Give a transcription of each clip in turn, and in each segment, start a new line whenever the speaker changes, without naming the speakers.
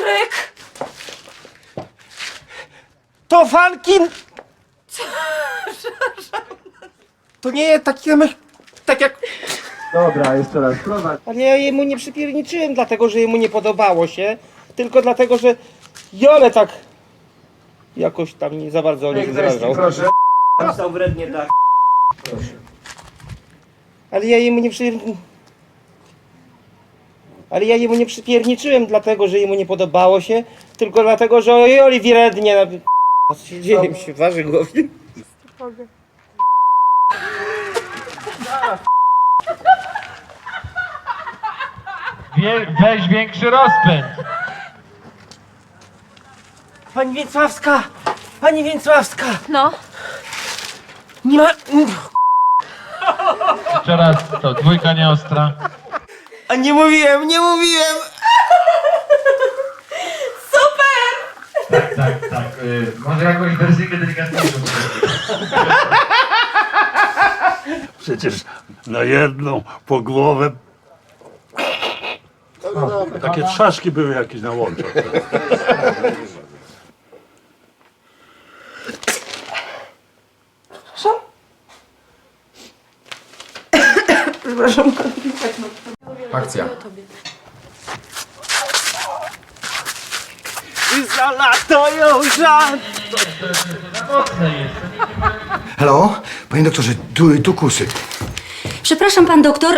Piotrek!
To Fankin! To nie taki tak jak...
Dobra, jeszcze raz, prowadź.
Ale ja jemu nie przypierniczyłem dlatego, że jemu nie podobało się, tylko dlatego, że Jole tak jakoś tam nie za bardzo o nich zrażał.
Proszę.
Stał wrednie tak. Ale ja jemu nie Ale ja jemu nie przypierniczyłem dlatego, że jemu nie podobało się, tylko dlatego, że o Joli wrednie. Co się dzieje? Mi się waży głowie.
Weź większy rozpęd.
Pani Więcławska! Pani Więcławska!
No,
Nie ma...
Jeszcze raz, to dwójka nieostra.
A nie mówiłem!
Tak. Może jakąś wersję delikatniejszą.
Przecież na jedną po głowę. Takie trzaszki były jakieś na łączach.
Akcja.
Zalatują żart!
Halo? Panie doktorze, tu kusy.
Przepraszam, pan doktor,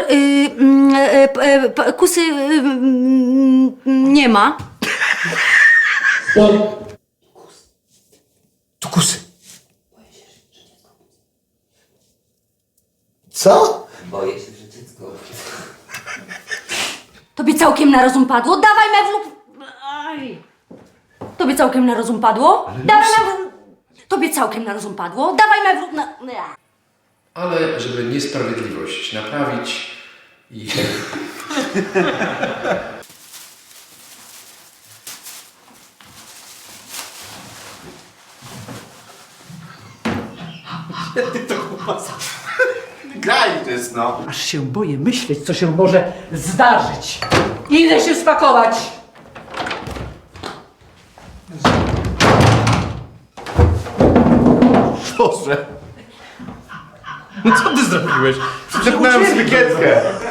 kusy nie ma.
Tu kusy. Co?
Tobie całkiem na rozum padło? Dawaj mewluk! Aj. Tobie całkiem na rozum padło? Dawaj mewluk! Tobie całkiem na rozum padło? Dawaj mewluk na...
Ale żeby niesprawiedliwość naprawić i...
Graj to jest, no.
Aż się boję myśleć, co się może zdarzyć. Idę się spakować.
Boże. No co ty zrobiłeś? Przepnąłem sypikietkę.